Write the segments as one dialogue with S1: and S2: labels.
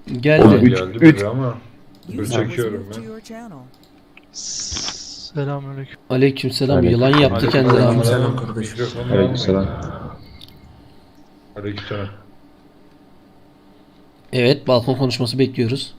S1: Geldi.
S2: Geldi biri ama dur çekiyorum ben.
S3: Selamünaleyküm.
S1: Aleykümselam. Yılan yaptı kendini ama.
S4: Aleykümselam kardeşim.
S2: Mikrofonunu
S4: Aleykümselam.
S2: almayın. Aleykümselam.
S1: Evet, balkon konuşması bekliyoruz.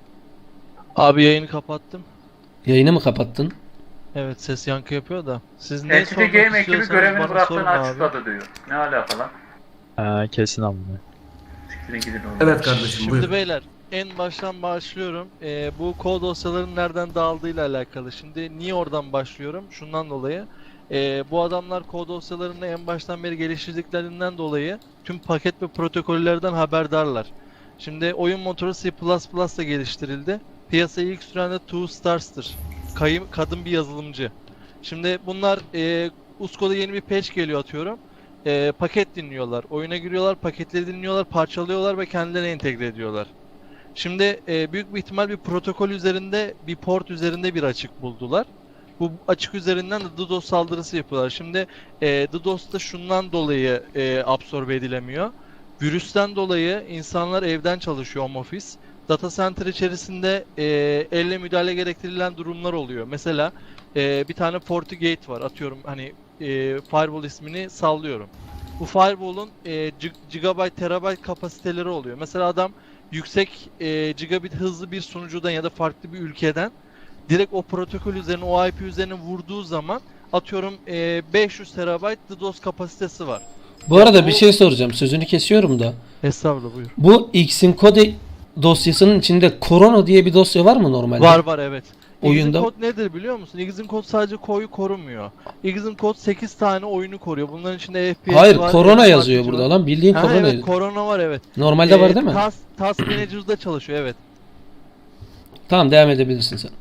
S3: Abi yayını kapattım.
S1: Yayını mı kapattın?
S3: Evet, ses yankı yapıyor da. Siz ne
S5: Entity
S3: sormak
S5: Game ekibi
S3: istiyorsanız
S5: görevini
S3: bana
S5: bıraktığını
S3: sorun abi.
S5: açıkladı diyor. Ne alaka lan?
S6: Kesin amına.
S5: Siktirin gidin oğlum.
S4: Evet kardeşim
S3: Şimdi
S4: buyur.
S3: beyler, en baştan başlıyorum. Bu kod dosyaların nereden dağıldığıyla alakalı. Şimdi niye oradan başlıyorum? Şundan dolayı. Bu adamlar kod dosyalarını en baştan beri geliştirdiklerinden dolayı tüm paket ve protokollerden haberdarlar. Şimdi oyun motoru C++'la geliştirildi. Piyasaya ilk süren de Two Stars'tır. Kadın bir yazılımcı. Şimdi bunlar Usko'da yeni bir patch geliyor atıyorum. Paket dinliyorlar, oyuna giriyorlar, paketleri dinliyorlar, parçalıyorlar ve kendilerine entegre ediyorlar. Şimdi büyük bir ihtimal bir protokol üzerinde, bir port üzerinde bir açık buldular. Bu açık üzerinden de DDoS saldırısı yapıyorlar. Şimdi DDoS da şundan dolayı absorbe edilemiyor. Virüsten dolayı insanlar evden çalışıyor, home office. Data center içerisinde elle müdahale gerektirilen durumlar oluyor. Mesela bir tane FortiGate var, atıyorum hani Firewall ismini sallıyorum. Bu Firewall'un gigabyte, terabyte kapasiteleri oluyor. Mesela adam yüksek gigabit hızlı bir sunucudan ya da farklı bir ülkeden direkt o protokol üzerine, o IP üzerine vurduğu zaman atıyorum 500 terabayt DDoS kapasitesi var.
S1: Bu arada bir şey soracağım. Sözünü kesiyorum da.
S3: Estağfurullah, buyur.
S1: Bu Xencode dosyasının içinde Corona diye bir dosya var mı normalde?
S3: Var evet.
S1: Oyunda-
S3: Xencode nedir biliyor musun? Xencode sadece koyu korumuyor. Xencode 8 tane oyunu koruyor. Bunların içinde FPS
S1: Hayır,
S3: var.
S1: Corona
S3: Var,
S1: yazıyor
S3: var.
S1: burada lan. Bildiğin
S3: Ha,
S1: Corona
S3: evet,
S1: yazıyor.
S3: Corona var evet.
S1: Normalde var değil mi?
S3: Task Manager'da çalışıyor evet.
S1: Tamam, devam edebilirsin sen.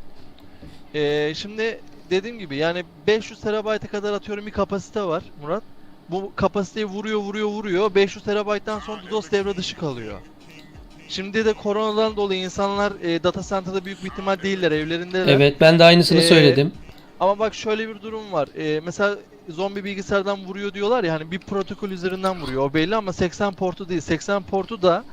S3: Şimdi dediğim gibi yani 500 terabayta kadar atıyorum bir kapasite var Murat. Bu kapasiteyi vuruyor. 500 terabayttan sonra DDoS devre dışı kalıyor. Şimdi de koronadan dolayı insanlar data center'da büyük bir ihtimal değiller, evlerindeler.
S1: Evet, ben de aynısını
S3: Ee,
S1: söyledim.
S3: Ama bak şöyle bir durum var. Mesela zombi bilgisayardan vuruyor diyorlar ya, hani bir protokol üzerinden vuruyor. O belli ama 80 portu değil. 80 portu da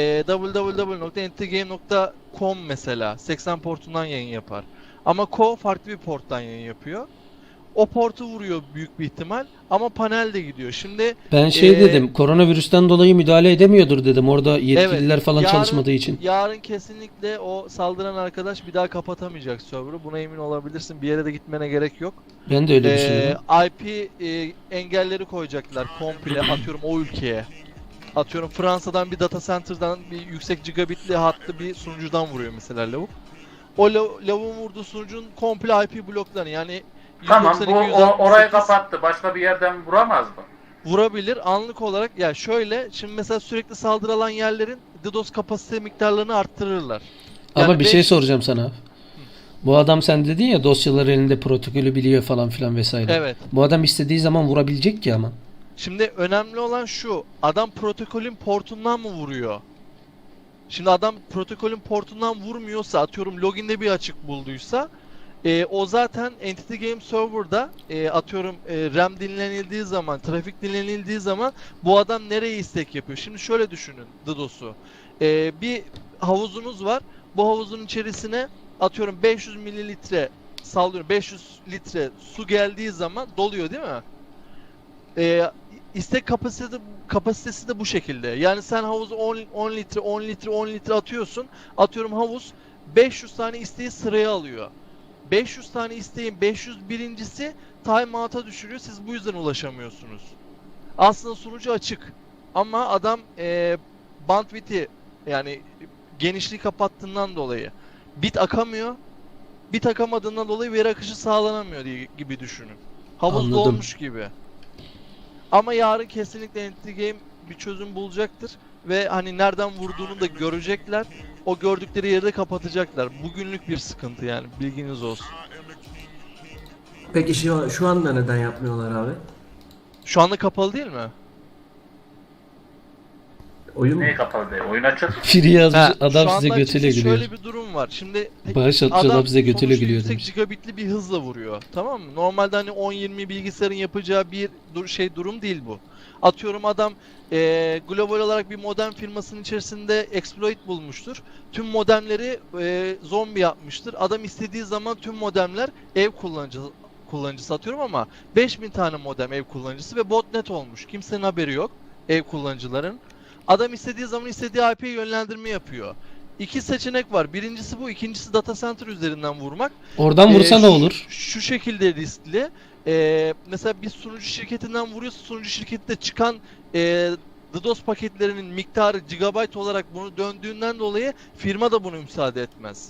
S3: www.entitygame.com mesela 80 portundan yayın yapar. Ama Co farklı bir porttan yayın yapıyor. O portu vuruyor büyük bir ihtimal ama panel de gidiyor. Şimdi
S1: Ben dedim, koronavirüsten dolayı müdahale edemiyordur dedim. Orada yetkililer
S3: evet,
S1: falan çalışmadığı için.
S3: yarın kesinlikle o saldıran arkadaş bir daha kapatamayacak server'ı. Buna emin olabilirsin. Bir yere de gitmene gerek yok.
S1: Ben de öyle düşünüyorum.
S3: IP engelleri koyacaklar komple atıyorum o ülkeye. Atıyorum Fransa'dan bir data center'dan bir yüksek gigabitli hattı bir sunucudan vuruyor mesela lavuk. O lavuğun vurduğu sunucunun komple IP bloklarını yani
S5: Tamam bu
S3: 192,
S5: orayı
S3: 168
S5: kapattı. Başka bir yerden vuramaz mı?
S3: vurabilir anlık olarak. Ya şöyle, şimdi mesela sürekli saldırı alan yerlerin DDoS kapasite miktarlarını arttırırlar.
S1: Ama
S3: Yani
S1: bir şey soracağım sana. Bu adam, sen dedin ya dosyaları elinde, protokolü biliyor falan filan vesaire.
S3: Evet.
S1: Bu adam istediği zaman vurabilecek ki ama.
S3: Şimdi önemli olan şu, adam protokolün portundan mı vuruyor? Şimdi adam protokolün portundan vurmuyorsa, atıyorum loginde bir açık bulduysa, o zaten Entity Game Server'da atıyorum RAM dinlenildiği zaman, trafik dinlenildiği zaman bu adam nereye istek yapıyor? Şimdi şöyle düşünün DDoS'u. Bir havuzunuz var. Bu havuzun içerisine atıyorum 500 mililitre sallıyorum 500 litre su geldiği zaman doluyor değil mi? İstek kapasitesi de bu şekilde. Yani sen havuzu 10 litre atıyorsun. Atıyorum havuz 500 tane isteği sıraya alıyor. 500 tane isteğin 501'incisi timeout'a düşürüyor. Siz bu yüzden ulaşamıyorsunuz. Aslında sunucu açık. Ama adam bandwidth'i yani genişliği kapattığından dolayı bit akamıyor. Bit akamadığından dolayı veri akışı sağlanamıyor gibi düşünün. Havuz
S1: Anladım.
S3: dolmuş gibi. Ama yarın kesinlikle Entity Game bir çözüm bulacaktır. Ve hani nereden vurduğunu da görecekler. O gördükleri yeri de kapatacaklar. Bugünlük bir sıkıntı yani, bilginiz olsun.
S4: Peki şu anda neden yapmıyorlar abi?
S3: Şu anda kapalı değil mi?
S4: Oyun mu?
S5: Neyi kapalı değil? Oyun açık.
S1: Free yazmış
S3: Ha,
S1: adam
S3: şu
S1: size
S3: anda
S1: götüyle
S3: açıkçası
S1: gülüyor.
S3: şöyle bir durum var. Şimdi
S1: Bağış atmış adam size götüyle
S3: sonuçta
S1: gülüyor
S3: yüksek
S1: demiş.
S3: gigabitli bir hızla vuruyor. Tamam mı? Normalde hani 10-20 bilgisayarın yapacağı bir durum değil bu. Atıyorum adam global olarak bir modem firmasının içerisinde exploit bulmuştur. Tüm modemleri zombi yapmıştır. Adam istediği zaman tüm modemler ev kullanıcısı atıyorum ama 5000 tane modem ev kullanıcısı ve botnet olmuş. Kimsenin haberi yok ev kullanıcıların. Adam istediği zaman istediği IP'ye yönlendirme yapıyor. İki seçenek var. Birincisi bu, ikincisi data center üzerinden vurmak.
S1: Oradan vursa ne olur?
S3: Şu şekilde riskli. Mesela bir sunucu şirketinden vuruyorsa sunucu şirkette çıkan DDoS paketlerinin miktarı gigabyte olarak bunu döndüğünden dolayı firma da bunu müsaade etmez.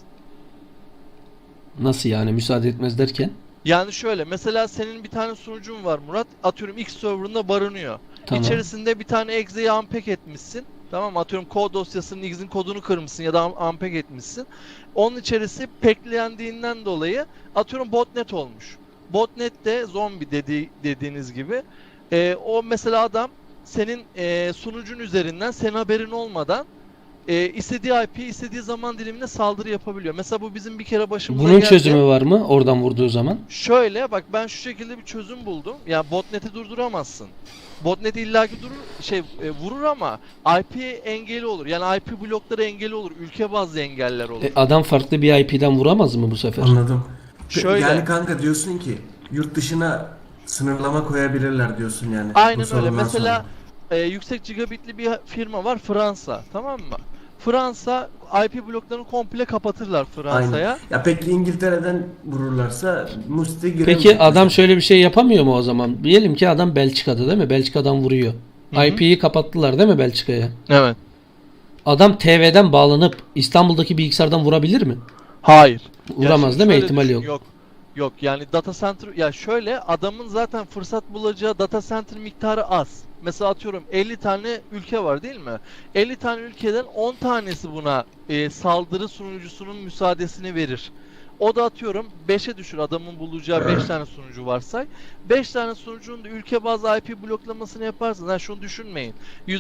S1: Nasıl yani müsaade etmez derken?
S3: Yani şöyle, mesela senin bir tane sunucun var Murat, atıyorum X serverında barınıyor.
S1: Tamam.
S3: İçerisinde bir tane exe'yi unpack etmişsin. Tamam mı? Atıyorum kod dosyasının X'in kodunu kırmışsın ya da unpack etmişsin. Onun içerisi packlendiğinden dolayı atıyorum botnet olmuş. Botnet de zombi dediğiniz gibi. O mesela adam senin sunucun üzerinden senin haberin olmadan istediği IP, istediği zaman dilimine saldırı yapabiliyor. Mesela bu bizim bir kere başımıza
S1: Bunun
S3: geldi.
S1: çözümü var mı oradan vurduğu zaman?
S3: Şöyle bak, ben şu şekilde bir çözüm buldum. Ya botnet'i durduramazsın. Botnet illaki vurur ama IP engeli olur. Yani IP blokları engeli olur. Ülke bazlı engeller olur.
S1: Adam farklı bir IP'den vuramaz mı bu sefer?
S4: Anladım.
S3: Şöyle.
S4: Yani kanka diyorsun ki yurt dışına sınırlama koyabilirler diyorsun yani.
S3: Aynen
S4: bu
S3: öyle.
S4: sorundan
S3: Mesela
S4: sonra.
S3: yüksek gigabitli bir firma var, Fransa. Tamam mı? Fransa IP bloklarını komple kapatırlar Fransa'ya.
S4: Aynen. Ya peki İngiltere'den vururlarsa Musti giremeyecek.
S1: Peki adam şöyle bir şey yapamıyor mu o zaman? Diyelim ki adam Belçika'da değil mi? Belçika'dan vuruyor.
S3: Hı hı.
S1: IP'yi kapattılar değil mi Belçika'ya?
S3: Evet.
S1: Adam TV'den bağlanıp İstanbul'daki bilgisayardan vurabilir mi?
S3: Hayır.
S1: Vuramaz
S3: şimdi
S1: değil mi?
S3: şöyle
S1: İhtimali
S3: düşün,
S1: yok.
S3: Yok. Yok yani data center, ya şöyle, adamın zaten fırsat bulacağı data center miktarı az. Mesela atıyorum 50 tane ülke var değil mi? 50 tane ülkeden 10 tanesi buna saldırı sunucusunun müsaadesini verir. O da atıyorum 5'e düşür, adamın bulacağı 5 tane sunucu varsay. 5 tane sunucunun da ülke bazlı IP bloklamasını yaparsınız. Yani şunu düşünmeyin.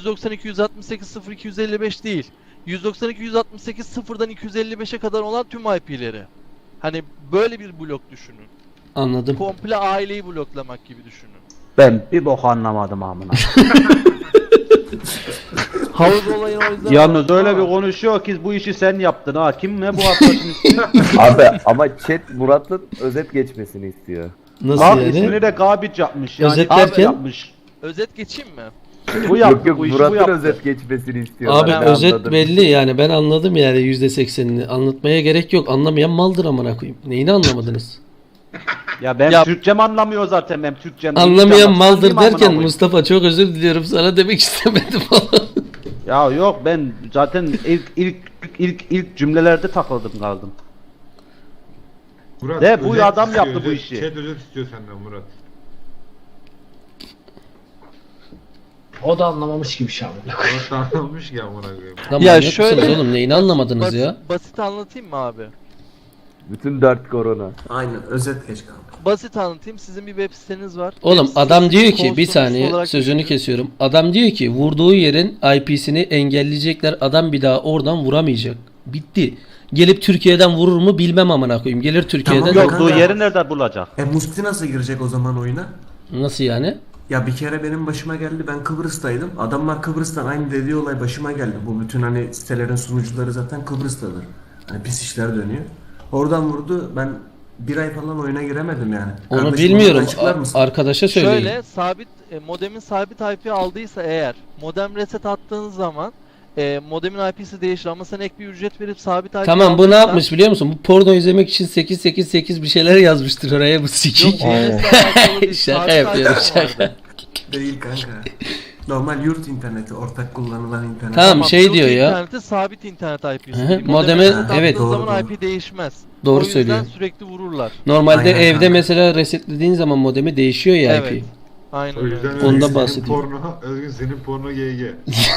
S3: 192.168.0.255 değil. 192.168.0'dan 255'e kadar olan tüm IP'leri. Hani böyle bir blok düşünün.
S1: Anladım.
S3: Komple aileyi bloklamak gibi düşünün.
S6: Ben bir bok anlamadım amına.
S3: Havuz olayını o yüzden...
S6: Yalnız öyle bir konuşuyor ki bu işi sen yaptın ha. Kim ne bu arkadaşın ismi?
S7: Abi ama chat Murat'ın özet geçmesini istiyor.
S1: Nasıl
S6: Bak
S1: yani?
S6: ismini de Gabiç yapmış. Yani
S1: Özetlerken?
S6: yapmış.
S3: Özet geçeyim mi?
S6: Bu yaptı
S7: Yok yok
S6: bu işi bu
S7: Murat'ın
S6: yaptı.
S7: özet geçmesini istiyor.
S1: Abi
S7: Ben
S1: özet
S7: anladım.
S1: belli yani ben anladım yani %80'ini. Anlatmaya gerek yok. Anlamayan maldır amına koyayım. Neyini anlamadınız?
S6: Ya ben
S3: Ya-
S6: Türkçem anlamıyor zaten benim Türkçem.
S1: Anlamayan maldır
S6: Anlayayım amına
S1: derken
S6: koyayım.
S1: Mustafa çok özür diliyorum sana demek istemedim falan.
S6: Ya yok ben zaten ilk cümlelerde takıldım kaldım.
S2: Murat,
S6: De, bu
S2: özet
S6: adam
S2: istiyor,
S6: yaptı bu
S2: özet.
S6: işi.
S2: Chat özet istiyor senden Murat.
S8: O da anlamamış gibi şey amına koyayım.
S2: Murat anlamış ki amına koyayım.
S1: Lan
S3: Ya
S1: manyak
S3: şöyle-
S1: mısınız oğlum neyini anlamadınız ya?
S3: Basit anlatayım mı abi?
S7: Bütün dert korona.
S4: Aynen özet geç kanka.
S3: Basit anlatayım. Sizin bir web siteniz var.
S1: Oğlum
S3: Web
S1: adam
S3: sitesini
S1: diyor ki bir
S3: konsolosluğu
S1: saniye
S3: olarak
S1: sözünü
S3: düşünün.
S1: kesiyorum. Adam diyor ki vurduğu yerin IP'sini engelleyecekler. Adam bir daha oradan vuramayacak. Bitti. Gelip Türkiye'den vurur mu bilmem amına koyayım. Gelir Türkiye'den
S4: Tamam, yok.
S6: Yokluğu
S4: kanka.
S6: yeri nerede bulacak?
S4: Musti nasıl girecek o zaman oyuna?
S1: Nasıl yani?
S4: Ya bir kere benim başıma geldi, ben Kıbrıs'taydım. Adamlar Kıbrıs'tan aynı dediği olay başıma geldi. Bu bütün hani sitelerin sunucuları zaten Kıbrıs'tadır. Hani pis işler dönüyor. Oradan vurdu, ben bir ay falan oyuna giremedim yani.
S1: Onu
S4: Kardeşim,
S1: bilmiyorum.
S4: açıklar mısın?
S1: Arkadaşa söyleyin.
S3: Şöyle sabit modemin sabit IP aldıysa eğer modem reset attığınız zaman modemin IP'si değişir ama sen ek bir ücret verip sabit IP
S1: Tamam bu ne
S3: aldıysan-
S1: yapmış biliyor musun? Bu porno izlemek için 888 bir şeyler yazmıştır oraya bu
S3: Yok
S1: sikik.
S3: DNS'le alakalı değil,
S1: Şaka
S3: sabit
S1: yapıyorum,
S3: IP
S1: şaka.
S3: vardı.
S4: Değil kanka. Normal yurt interneti, ortak kullanılan internet.
S1: Tamam. şey
S3: yurt
S1: diyor ya.
S3: interneti sabit internet IP'si.
S1: Hı hı,
S3: değil.
S1: modeme-
S3: reset attığın
S1: evet.
S3: zaman
S4: Doğru,
S3: IP değişmez.
S1: Doğru
S3: O yüzden
S1: söylüyor.
S3: sürekli vururlar.
S1: Normalde
S4: Aynen
S1: evde
S4: kanka.
S1: mesela resetlediğin zaman modemi değişiyor ya IP.
S3: Evet. Aynen
S2: O yüzden
S3: öyle.
S1: Ondan
S2: Özgün senin
S1: bahsedeyim.
S2: porno, Özgün senin porno GG.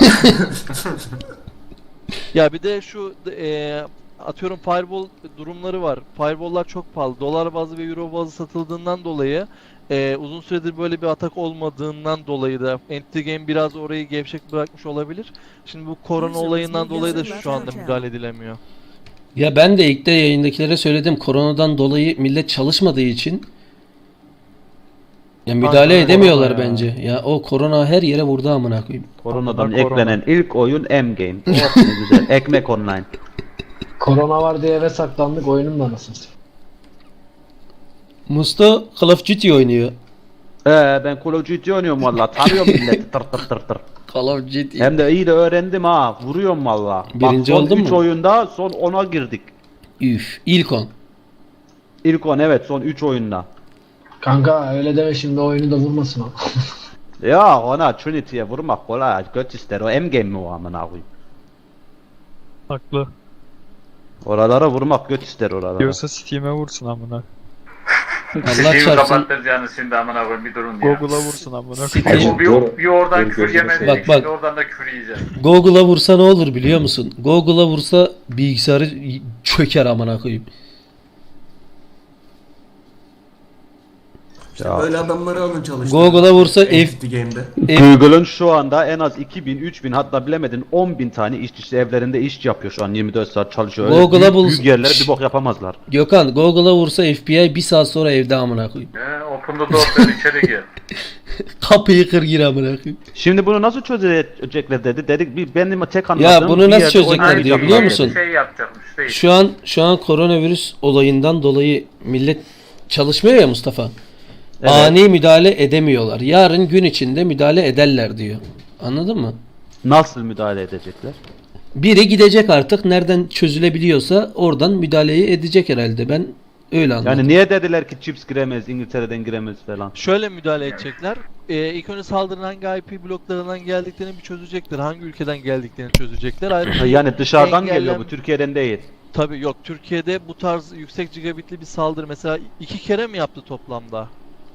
S3: Ya bir de şu atıyorum firewall durumları var. Firewall'lar çok pahalı. Dolar bazlı ve euro bazlı satıldığından dolayı uzun süredir böyle bir atak olmadığından dolayı da Entity Game biraz orayı gevşek bırakmış olabilir. Şimdi bu korona olayından dolayı da şu anda müdahale edilemiyor.
S1: Ya ben de ilk de yayındakilere söyledim. Koronadan dolayı millet çalışmadığı için Ya müdahale
S3: Aynen,
S1: edemiyorlar
S9: korona ya.
S1: bence. Ya o korona her yere vurdu amına koyayım.
S6: Koronadan
S9: Korona.
S6: eklenen ilk oyun M-Game. Oh ne güzel. Ekmek online.
S8: Korona var diye eve saklandık oyunun da nasıl?
S1: Musto Call of Duty oynuyor.
S6: Ben Call of Duty oynuyorum valla. Tarıyorum milleti tır tır tır tır.
S1: Call of Duty.
S6: Hem de iyi de öğrendim ha. Vuruyorum valla.
S1: Birinci
S6: Bak, son
S1: oldun
S6: 3
S1: mu?
S6: oyunda son 10'a girdik.
S1: Üf. İlk 10.
S6: İlk 10 evet son 3 oyunda.
S8: Kanka öyle deme şimdi oyunu da vurmasın o.
S6: Ya ona Trinity'ye vurmak kolay. Göt ister. O M-Game mi o amına koyayım?
S9: Haklı.
S6: Oralara vurmak göt ister oralara.
S9: Diyorsa Steam'e vursun amına.
S1: Allah
S5: Şeyi
S1: çarpsın.
S5: kapattıracağınız şimdi amına koyayım bir durun ya.
S9: Google'a vursun amına.
S1: Steam-
S5: Bir oradan
S7: Benim
S5: küfür
S7: gözüme
S5: yemedik.
S1: Bak, bak.
S5: Şimdi oradan da küfür yiyeceğiz.
S1: Google'a vursa ne olur biliyor musun? Google'a vursa bilgisayarı çöker amına koyayım.
S4: İşte
S6: Ya.
S4: böyle adamları alın çalıştırın.
S1: Google'a vursa
S4: Entity Game'de.
S6: Google'ın şu anda en az 2000, 3000 hatta bilemedin 10.000 tane işçisi evlerinde iş yapıyor şu an 24 saat çalışıyor. Öyle
S1: Google'a
S6: büyük,
S1: bul-
S6: büyük yerlere bir bok yapamazlar.
S1: Gökhan Google'a vursa FBI bir saat sonra evde amına koyayım.
S5: Open the door sen içeri gir.
S1: Kapıyı kır gir amına koyayım.
S6: Şimdi bunu nasıl çözecekler dedi. Dedik benim tek anladığım
S1: bunu
S6: bir
S1: nasıl
S6: yerde
S1: çözecekler
S6: oynayıp
S1: diyor, biliyor
S6: yapmak.
S1: musun?
S5: Şey yapacakmış değil.
S1: Şu an koronavirüs olayından dolayı millet çalışmıyor ya Mustafa.
S6: Evet.
S1: Ani müdahale edemiyorlar. Yarın gün içinde müdahale ederler diyor. Anladın mı?
S6: Nasıl müdahale edecekler?
S1: Biri gidecek artık nereden çözülebiliyorsa oradan müdahaleyi edecek herhalde. Ben öyle anladım.
S6: Yani niye dediler ki chips giremez, İngiltere'den giremez falan.
S3: Şöyle müdahale edecekler. İlk önce saldırının hangi IP bloklarından geldiklerini bir çözecekler. Hangi ülkeden geldiklerini çözecekler. Ayrıca
S6: Yani dışarıdan
S3: engellem-
S6: geliyor bu, Türkiye'den değil.
S3: Tabii yok. Türkiye'de bu tarz yüksek gigabitli bir saldırı mesela 2 kere mi yaptı toplamda?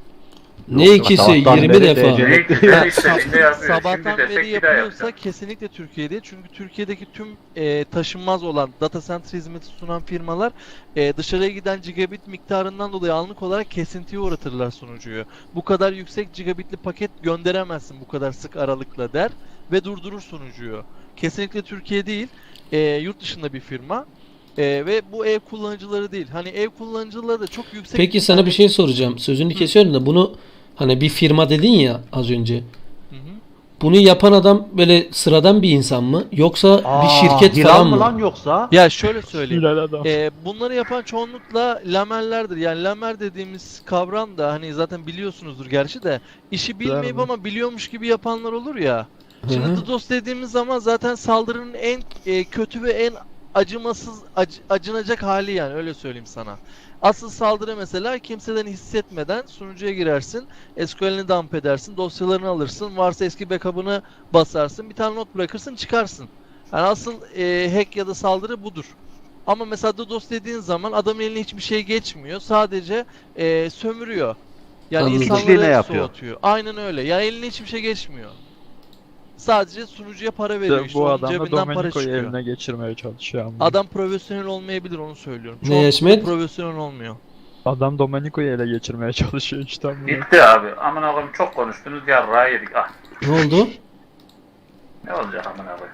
S1: Ne ikisi?
S6: Sabahtan
S1: 20
S6: beri
S1: defa.
S6: DC
S5: Ne güzel istediğinde yapıyor.
S3: Sabahtan
S5: Şimdi desek
S3: beri
S5: bir daha
S3: yapıyorsa
S5: yapacak.
S3: kesinlikle Türkiye'de. Çünkü Türkiye'deki tüm taşınmaz olan data center hizmeti sunan firmalar dışarıya giden gigabit miktarından dolayı anlık olarak kesintiye uğratırlar sunucuyu. Bu kadar yüksek gigabitli paket gönderemezsin bu kadar sık aralıkla der ve durdurur sunucuyu. Kesinlikle Türkiye değil, yurt dışında bir firma. Ve bu ev kullanıcıları değil. Hani ev kullanıcıları da çok yüksek.
S1: Peki sana bir şey soracağım. Sözünü kesiyorum da bunu hani bir firma dedin ya az önce.
S3: Hı hı.
S1: Bunu yapan adam böyle sıradan bir insan mı? Yoksa bir şirket
S6: Hilal
S1: falan
S6: mı
S1: mı?
S6: lan yoksa?
S3: Ya şöyle söyleyeyim.
S9: Hilal adam.
S3: Bunları yapan çoğunlukla lamerlerdir. Yani lamer dediğimiz kavram da hani zaten biliyorsunuzdur gerçi de işi bilmeyip
S9: Bravo.
S3: ama biliyormuş gibi yapanlar olur ya.
S1: Hı
S3: Şimdi
S1: hı.
S3: DDoS dediğimiz zaman zaten saldırının en kötü ve en acımasız acınacak hali yani öyle söyleyeyim sana. Asıl saldırı mesela kimseden hissetmeden sunucuya girersin, SQL'ini dump edersin, dosyalarını alırsın, varsa eski backup'ını basarsın, bir tane not bırakırsın, çıkarsın. Yani asıl hack ya da saldırı budur. Ama mesela DDoS dediğin zaman adamın eline hiçbir şey geçmiyor, sadece sömürüyor. Yani
S1: Anladım.
S6: İşliğine
S3: insanları
S6: yapıyor.
S3: soğutuyor. Aynen öyle. Yani eline hiçbir şey geçmiyor. Sadece sunucuya para veriyor. İşte
S9: Bu
S3: onun
S9: adam da
S3: cebinden para
S9: Domenico'yu
S3: çıkıyor.
S9: eline geçirmeye çalışıyor amına.
S3: Adam profesyonel olmayabilir onu söylüyorum.
S1: Ne
S3: Çoğunlukla
S1: Yaşmet?
S3: profesyonel olmuyor.
S9: Adam Domenico'yu ele geçirmeye çalışıyor işte amına.
S5: Bitti abi. Amına koyayım çok konuştunuz yarrağı yedik. Ah
S1: Ne oldu?
S5: ne olacak amına koyayım.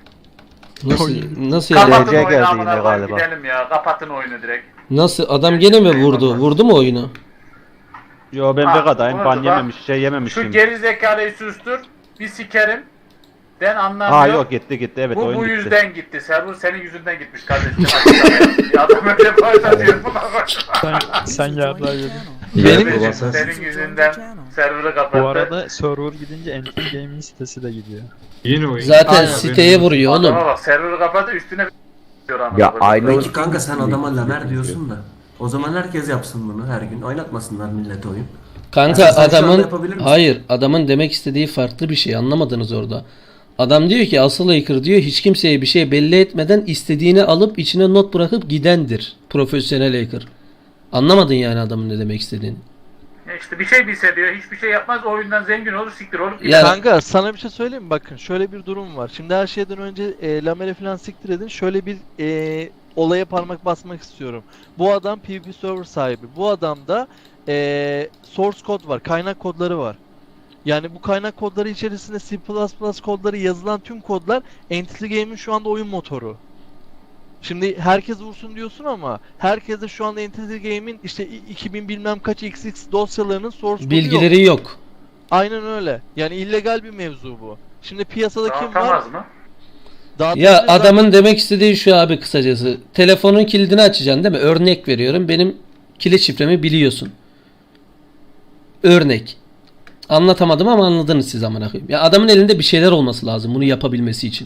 S1: Nasıl yani?
S5: Kapatın
S6: DC
S5: oyunu
S6: geldi
S5: amına
S6: yine
S5: koyayım
S6: galiba.
S5: gidelim ya. Kapatın oyunu direkt.
S1: Nasıl? Adam gene mi vurdu? Vurdu mu oyunu?
S6: Yo ben
S5: Ha,
S6: Vega'dayım,
S5: orada
S6: ban
S5: bak.
S6: yememiş, şey yememiş
S5: Şu
S6: şimdi.
S5: geri zekalıyı sustur. Bir sikerim. Ben anlamıyorum.
S6: Ha yok gitti evet
S5: bu
S6: oyun
S5: bu
S6: bitti.
S5: yüzden gitti. Server senin yüzünden gitmiş kardeşim. Ya adam öyle başlatıyor.
S9: Sen yarrağı yedin.
S1: Benim
S5: Senin yüzünden server'ı kapattı.
S9: Bu arada server gidince Entity Gaming sitesi de gidiyor.
S2: Yeni oyun.
S1: zaten
S3: Aynen.
S1: siteye vuruyor oğlum.
S5: Adama bak server'ı kapattı üstüne diyor amına
S7: Ya
S5: koyayım.
S7: aynı
S4: Peki kanka sen adama lamer diyorsun da. O zaman herkes yapsın bunu her gün. Oynatmasınlar millet oyun.
S1: Kanka
S4: Mesela sen şu anda
S1: adamın
S4: yapabilir misin?
S1: hayır adamın demek istediği farklı bir şey anlamadınız orada. Adam diyor ki asıl hacker diyor hiç kimseye bir şey belli etmeden istediğini alıp içine not bırakıp gidendir. Profesyonel hacker. Anlamadın yani adamın ne demek istediğini.
S5: Ya işte bir şey bilse diyor hiçbir şey yapmaz o oyundan zengin olur siktir olup
S1: Ya-
S3: Kanka sana bir şey söyleyeyim mi? Bakın şöyle bir durum var. Şimdi her şeyden önce Lamer'e falan siktir edin. Şöyle bir olaya parmak basmak istiyorum. Bu adam PvP server sahibi. Bu adamda source kod var. Kaynak kodları var. Yani bu kaynak kodları içerisinde C++ kodları yazılan tüm kodlar Entity Game'in şu anda oyun motoru. Şimdi herkes vursun diyorsun ama herkes de şu anda Entity Game'in işte 2000 bilmem kaç XX dosyalarının source code'u yok.
S1: Bilgileri yok.
S3: Aynen öyle. Yani illegal bir mevzu bu. Şimdi piyasada kim var?
S5: Dağıtamaz mı?
S3: Dağıtabilir
S1: Ya
S3: zaten.
S1: adamın demek istediği şu abi kısacası. Telefonun kilidini açacaksın değil mi? Örnek veriyorum. Benim kilit şifremi biliyorsun. Örnek. Anlatamadım ama anladınız siz amına koyayım. Ya adamın elinde bir şeyler olması lazım bunu yapabilmesi için.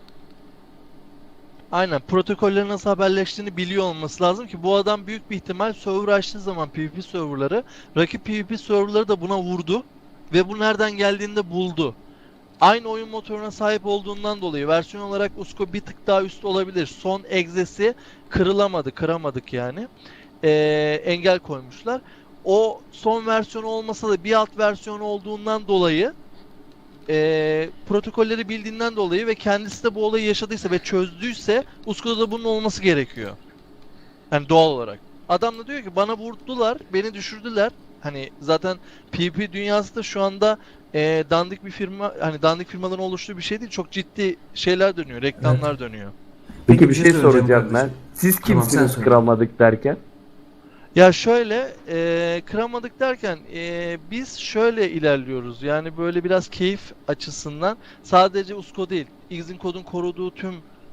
S3: Aynen, protokollerin nasıl haberleştiğini biliyor olması lazım ki bu adam büyük bir ihtimal server açtığı zaman PvP serverları, rakip PvP serverları da buna vurdu ve bu nereden geldiğini de buldu. Aynı oyun motoruna sahip olduğundan dolayı versiyon olarak Usko bir tık daha üst olabilir. Son egzesi kıramadık yani. Engel koymuşlar. O son versiyonu olmasa da bir alt versiyonu olduğundan dolayı protokolleri bildiğinden dolayı ve kendisi de bu olayı yaşadıysa ve çözdüyse Usko'da da bunun olması gerekiyor. Yani doğal olarak. Adam da diyor ki bana vurdular, beni düşürdüler. Hani zaten PvP dünyası da şu anda dandik bir firma, hani dandik firmaların oluştuğu bir şey değil. Çok ciddi şeyler dönüyor, reklamlar dönüyor.
S7: Peki bir şey
S4: söyleyeceğim
S7: soracağım ben.
S4: kardeşim.
S7: Siz
S4: Tamam, sen
S7: kimsiniz
S4: söyle.
S7: kıramadık derken?
S3: Ya şöyle, kıramadık derken biz şöyle ilerliyoruz. Yani böyle biraz keyif açısından sadece Usko değil, X'in kodun koruduğu tüm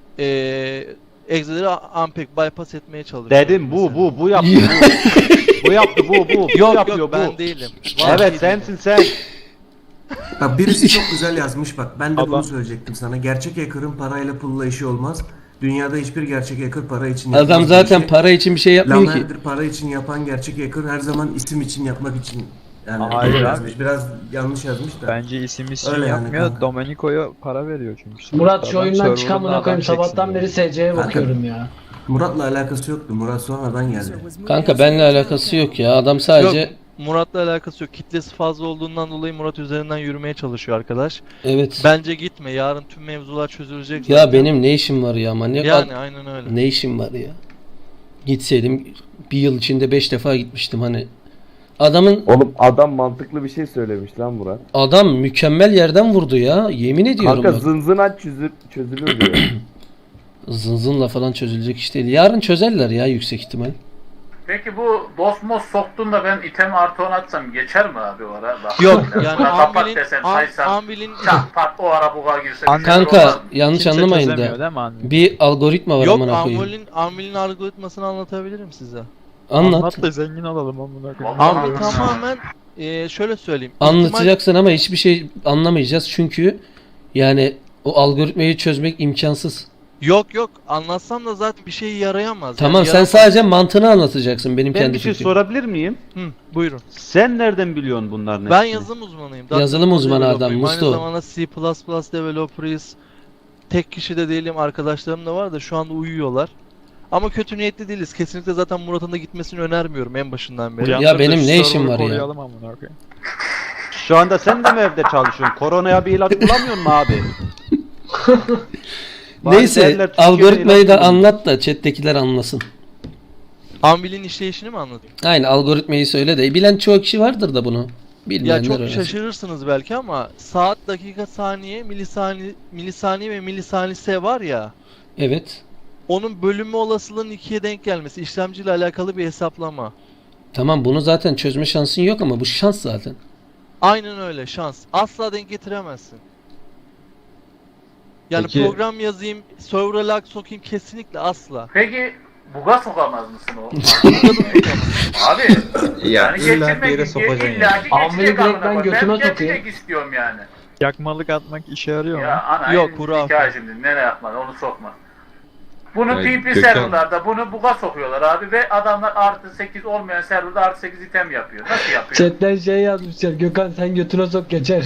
S3: egzeleri unpack, bypass etmeye çalışıyoruz.
S6: Dedim
S3: mesela.
S6: bu yaptı bu yaptı bu
S3: Yok
S6: yapıyor
S3: yok
S6: bu.
S3: ben değilim.
S6: Evet
S3: Vallahi
S6: sensin sen.
S4: Bak birisi çok güzel yazmış bak. Ben de bunu
S9: Adam-
S4: söyleyecektim sana. Gerçek hacker'ın parayla pulla işi olmaz. Dünyada hiçbir gerçek hacker para için yapmaz.
S1: Adam
S4: bu
S1: zaten
S4: işi.
S1: para için bir şey yapmıyor ki.
S4: Lamerdir para için yapan gerçek hacker her zaman isim için yapmak için. Yani
S9: Hayır
S4: öyle
S9: abi.
S4: yazmış. Biraz yanlış yazmış da.
S9: Bence isim
S4: Öyle yani
S9: yapmıyor.
S4: kanka.
S9: Domenico'ya para veriyor çünkü.
S8: Murat şu
S9: Adam
S8: oyundan
S9: server'ında
S8: çıkamına
S9: adam
S8: koyayım
S9: çeksin
S8: sabahtan
S9: diye.
S8: beri SC'ye
S4: Kanka.
S8: bakıyorum ya.
S4: Murat'la alakası yoktu. Murat sonradan geldi.
S1: Kanka benimle alakası yok ya. Adam sadece
S3: Yok, Murat'la alakası yok. Kitlesi fazla olduğundan dolayı Murat üzerinden yürümeye çalışıyor arkadaş.
S1: evet.
S3: Bence gitme. Yarın tüm mevzular çözülecek
S1: Ya
S3: zaten.
S1: benim ne işim var ya manyak.
S3: Yani aynen öyle.
S1: Ne işim var ya? Gitseydim bir yıl içinde 5 defa gitmiştim hani.
S7: Oğlum adam mantıklı bir şey söylemiş lan Murat.
S1: Adam mükemmel yerden vurdu ya. Yemin ediyorum
S7: Kanka
S1: bak.
S7: zınzınaç çözülür diyor.
S1: Zınzınla falan çözülecek iş değil. Yarın çözerler ya yüksek ihtimal.
S5: Peki bu Dosmos soktun da ben item artı 10 atsam geçer mi abi o ara? Bak,
S3: Yok
S5: buna
S3: yani
S5: kapat desem saysam
S3: Anvil'in
S5: çat pat o ara buga girse.
S9: An-
S5: bir şeyler olmaz
S1: Kanka
S5: mı?
S1: yanlış
S9: Kimse
S1: anlamayın
S9: çözemiyor
S1: da.
S9: değil mi anne?
S1: Bir algoritma var
S3: yok
S1: amına koyayım.
S3: Anvil'in algoritmasını anlatabilirim size.
S1: Anlat.
S9: Anlat da zengin olalım amına koyayım.
S5: Vallahi
S3: Anvil
S5: anladım.
S3: tamamen şöyle söyleyeyim.
S1: Anlatacaksın ama hiçbir şey anlamayacağız çünkü yani o algoritmayı çözmek imkansız.
S3: Yok anlatsam da zaten bir şey yarayamaz.
S1: Tamam
S3: Yani
S1: sen
S3: yaramaz.
S1: sadece mantığını anlatacaksın benim
S6: Ben
S1: kendi
S6: bir şey
S1: fikrim.
S6: sorabilir miyim?
S3: Hı, buyurun.
S6: Sen nereden biliyorsun bunların
S3: Ben
S6: hepsini?
S3: yazılım uzmanıyım.
S1: Yazılım
S3: .NET
S1: uzmanı adam,
S3: developer'ıyım.
S1: Musto.
S3: Aynı zamanda C++ developer'ıyız. Tek kişi de değilim. Arkadaşlarım da var da şu anda uyuyorlar. Ama kötü niyetli değiliz. Kesinlikle zaten Murat'ın da gitmesini önermiyorum en başından beri.
S1: Ya benim ne işim var ya?
S9: Koruyalım amına koyayım.
S6: Şu anda sen de mi evde çalışıyorsun? Koronaya bir ilaç bulamıyor musun abi? Bari
S1: Neyse
S6: derler, Türkiye'de
S1: algoritmayı da
S6: ilaç bulamıyor.
S1: anlat da chat'tekiler anlasın.
S3: Anvil'in işleyişini mi anlatayım?
S1: Aynen algoritmayı söyle de bilen çoğu kişi vardır da bunu.
S3: Ya
S1: Bilmeyenler
S3: çok
S1: öğrensin.
S3: şaşırırsınız belki ama saat, dakika, saniye, milisaniye ve milisaniyse var ya.
S1: Evet.
S3: Onun bölünme olasılığının 2'ye denk gelmesi. İşlemciyle alakalı bir hesaplama.
S1: Tamam bunu zaten çözme şansın yok ama bu şans zaten.
S3: Aynen öyle, şans. Asla denk getiremezsin. Yani
S8: Peki-
S3: program yazayım, server'a lag sokayım kesinlikle asla.
S5: Peki buga sokamaz mısın o? Abi yani geçirmek illa ki
S8: Anvil'i
S5: geçecek
S8: direkt
S5: amına
S8: ben
S5: koyayım.
S8: götüme
S5: Ben
S8: sokayım.
S5: geçecek istiyorum yani.
S9: Yakmalık atmak işe yarıyor mu?
S5: Ya ana
S3: Yok,
S5: en
S3: hurafe.
S5: hikaye şimdi nereye yapmadı onu sokma. Bunu
S10: Evet,
S5: PP
S10: Gökhan.
S5: serverlarda bunu buga sokuyorlar abi ve adamlar artı 8 olmayan serverda artı 8 item yapıyor. Nasıl yapıyor?
S8: Chatten şey yazmışlar. Gökhan sen götüne sok geçer.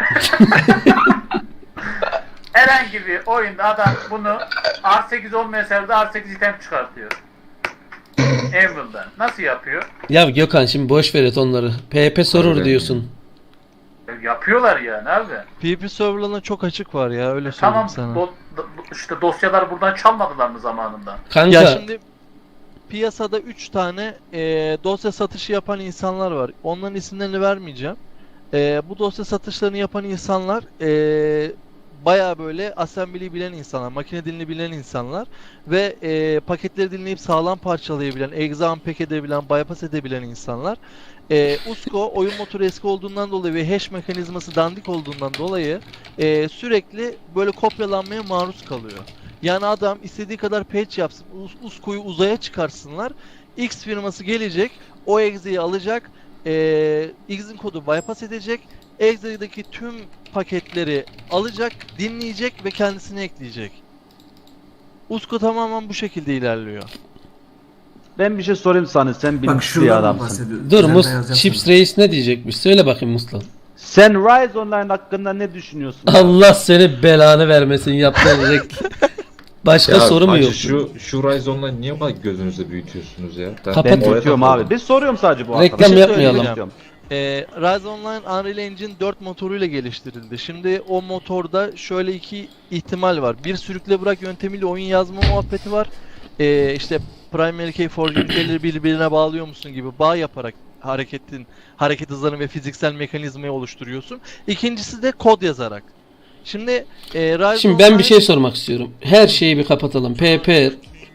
S5: Herhangi bir oyunda adam bunu artı 8 olmayan serverda artı 8 item çıkartıyor. Anvil'dan. Nasıl yapıyor?
S1: Ya Gökhan şimdi boş ver et onları. PHP sorur diyorsun.
S5: Yapıyorlar yani abi.
S3: PvP serverlarına çok açık var ya, öyle söyleyeyim
S5: Tamam
S3: sana.
S5: işte dosyalar buradan çalmadılar mı zamanında?
S1: Kanka
S3: Ya şimdi piyasada 3 tane dosya satışı yapan insanlar var. Onların isimlerini vermeyeceğim. Bu dosya satışlarını yapan insanlar bayağı böyle assembly bilen insanlar, makine dilini bilen insanlar ve paketleri dinleyip sağlam parçalayabilen, exe unpack edebilen, bypass edebilen insanlar. USCO oyun motoru eski olduğundan dolayı ve hash mekanizması dandik olduğundan dolayı sürekli böyle kopyalanmaya maruz kalıyor. Yani adam istediği kadar patch yapsın, USCO'yu uzaya çıkarsınlar, X firması gelecek, o exe'yi alacak, X'in kodu bypass edecek, exe'deki tüm paketleri alacak, dinleyecek ve kendisine ekleyecek. USCO tamamen bu şekilde ilerliyor.
S6: Ben bir şey sorayım sana, sen
S4: Bak
S6: bilinçli bir
S4: şuradan
S6: adamsın.
S4: bahsediyorum.
S1: Dur
S4: Üzerinden
S1: Mus
S4: yazacağım
S1: Chips
S4: sana.
S1: Reis ne diyecekmiş? Söyle bakayım Muslan.
S6: Sen Rise Online hakkında ne düşünüyorsun?
S1: Allah seni belanı vermesin yaptığın Başka soru mu
S10: hacı,
S1: yok?
S10: Şu Rise Online niye bak gözünüzde büyütüyorsunuz ya?
S1: Kapat.
S6: Ben
S1: Oraya
S6: tutuyorum abi. Bir soruyorum sadece bu
S1: Reklam
S6: arkadaşa.
S1: yapmayalım.
S3: söyleyeceğim. Rise Online Unreal Engine 4 motoruyla geliştirildi. Şimdi o motorda şöyle iki ihtimal var. Bir sürükle bırak yöntemiyle oyun yazma muhabbeti var. İşte Primary Key Forging Key'leri birbirine bağlıyor musun gibi bağ yaparak hareket hızlarını ve fiziksel mekanizmayı oluşturuyorsun. İkincisi de kod yazarak. Şimdi Rise
S1: Şimdi ben bir şey sormak istiyorum. Her şeyi bir kapatalım. PP,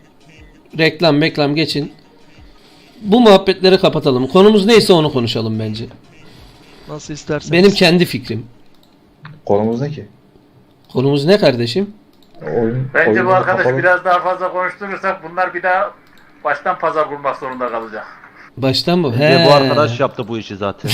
S1: reklam geçin. Bu muhabbetleri kapatalım. Konumuz neyse onu konuşalım bence.
S3: nasıl isterseniz.
S1: Benim kendi fikrim.
S10: Konumuz ne ki?
S1: Konumuz ne kardeşim?
S5: Bence bu arkadaş biraz daha fazla konuşturursak bunlar bir daha baştan pazar kurmak zorunda kalacak.
S1: Baştan mı?
S6: Ve bu arkadaş yaptı bu işi zaten.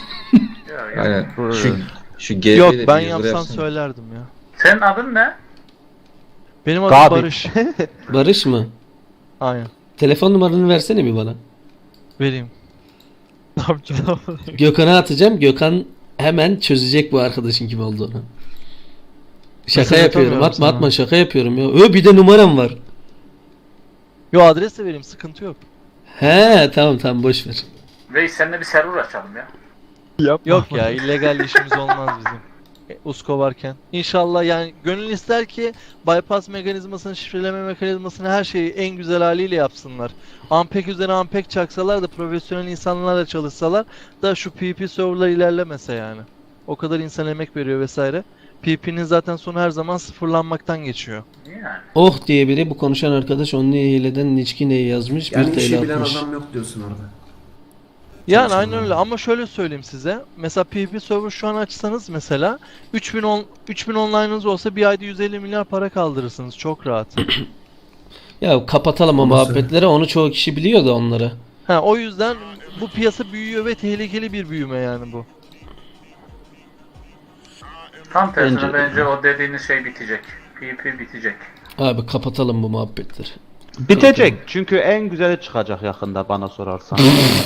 S5: Ya.
S10: Aynen. Şu GB'de
S3: Yok
S10: bir
S3: ben
S10: yazılı
S3: yapsam
S10: yapsana.
S3: söylerdim ya.
S5: Senin adın ne?
S3: Benim adım
S6: Gabi.
S3: Barış.
S1: Barış mı?
S3: Aynen.
S1: Telefon numaranı versene bir bana.
S3: Vereyim.
S9: Ne yapacağım?
S1: Gökhan'a atacağım. Gökhan hemen çözecek bu arkadaşın kim olduğunu. Şaka
S3: Mesaj
S1: yapıyorum.
S3: atamıyorum
S1: Atma
S3: sana.
S1: atma şaka yapıyorum ya. Bir de numaram var.
S3: Yo adres de vereyim sıkıntı yok.
S1: He tamam boş ver.
S5: Reis seninle bir server açalım ya.
S9: Yapma.
S3: Yok ya illegal işimiz olmaz bizim. USCO varken. İnşallah yani gönül ister ki bypass mekanizmasını, şifreleme mekanizmasını her şeyi en güzel haliyle yapsınlar. Unpack üzerine unpack çaksalar da profesyonel insanlarla çalışsalar da şu PvP serverlar ilerlemese yani. O kadar insan emek veriyor vesaire. PvP'nin zaten sonu her zaman sıfırlanmaktan geçiyor.
S5: Yani.
S1: Oh diye biri bu konuşan arkadaş onun hileden Niçki neyi yazmış?
S4: Yani
S1: 1
S4: işi
S1: TL
S4: bilen
S1: atmış.
S4: adam yok diyorsun orada.
S3: Yani
S4: Çalışanlar.
S3: aynen öyle ama şöyle söyleyeyim size. Mesela PvP server şu an açsanız mesela 3000 online'ınız olsa bir ayda 150 milyar para kaldırırsınız çok rahat.
S1: Ya kapatalım o
S4: Onu
S1: muhabbetleri. Onu çoğu kişi biliyor da onları.
S3: Ha o yüzden bu piyasa büyüyor ve tehlikeli bir büyüme yani bu.
S5: Tam tersine
S6: Bence-
S5: bence o dediğiniz şey bitecek. PvP bitecek.
S1: Abi kapatalım bu muhabbetleri.
S6: Bitecek. Çünkü en güzeli çıkacak yakında bana sorarsan.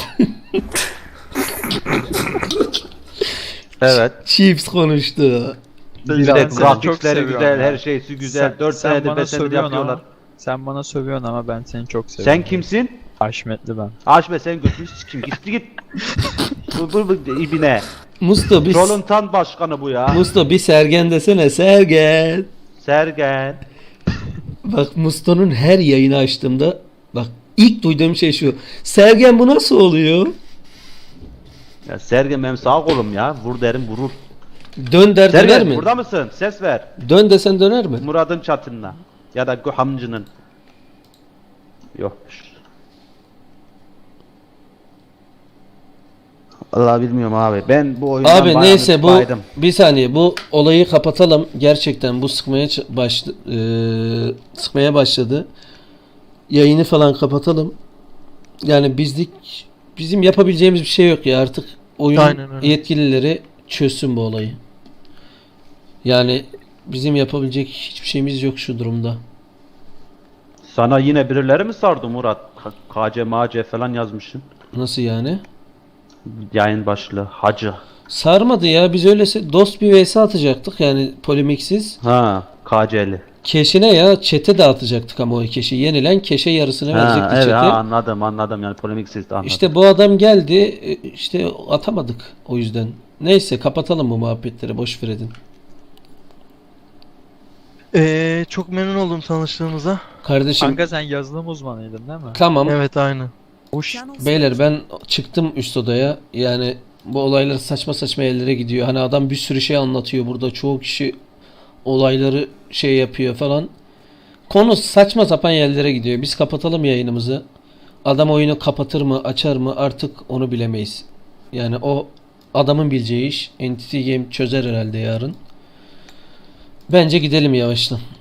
S6: Evet.
S1: Chips konuştu.
S6: Bir
S9: Ben
S6: de
S9: seni çok
S6: grafikleri
S9: seviyorum
S6: güzel,
S9: ya.
S6: her şeysi güzel. 4
S9: sen
S6: senedir
S9: bana
S6: 5 senedir
S9: sövüyorsun
S6: yapıyorlar.
S9: ama sen bana sövüyorsun ama ben seni çok seviyorum.
S6: Sen kimsin?
S9: Haşmetli ben.
S6: Aşbe sen götünü sikim. Gitti git. Bu ibine.
S1: Musto bir
S6: Trollun tan başkanı bu ya.
S1: Musto bir Sergen desene Sergen.
S6: Sergen.
S1: Bak Musto'nun her yayını açtığımda bak ilk duyduğum şey şu. Sergen bu nasıl oluyor?
S6: Ya Sergen benim sağ kolum ya. Vur derim vurur.
S1: Dön der döner
S6: Sergen
S1: mi?
S6: burada mısın? Ses ver.
S1: Dön desen döner mi?
S6: Murad'ın çatınına. Ya da Hamcı'nın. Yokmuş. Allah bilmiyorum abi. Ben bu oyundan
S1: Abi
S6: bayağı
S1: neyse bu
S6: baydım.
S1: bir saniye bu olayı kapatalım. Gerçekten bu sıkmaya başladı. Yayını falan kapatalım. Yani bizim yapabileceğimiz bir şey yok ya artık oyun
S3: Aynen öyle.
S1: yetkilileri çözsün bu olayı. Yani bizim yapabilecek hiçbir şeyimiz yok şu durumda.
S6: Sana yine birileri mi sardı Murat? KC MC falan yazmışsın.
S1: Nasıl yani?
S6: Yayın başlığı. Hacı.
S1: Sarmadı ya biz öylese dost bir vs atacaktık yani polemiksiz.
S6: Ha, KC'li.
S1: Keşine ya çete dağıtacaktık ama o keşi yenilen keşe yarısını
S6: Ha,
S1: verecekti
S6: evet
S1: çete.
S6: ha, anladım yani polemiksiz de anladım.
S1: İşte bu adam geldi işte atamadık o yüzden. Neyse kapatalım bu muhabbetleri boş ver edin.
S3: Çok memnun oldum tanıştığımıza.
S1: Kardeşim
S9: Kanka sen yazılım uzmanıydın değil mi?
S1: tamam
S3: Evet aynı.
S9: Hoş.
S1: beyler ben çıktım üst odaya yani bu olaylar saçma saçma yerlere gidiyor. Hani adam bir sürü şey anlatıyor burada çoğu kişi olayları şey yapıyor falan. Konu saçma sapan yerlere gidiyor. Biz kapatalım yayınımızı. Adam oyunu kapatır mı, açar mı artık onu bilemeyiz. Yani o adamın bileceği iş. Entity Game çözer herhalde yarın. Bence gidelim yavaştan.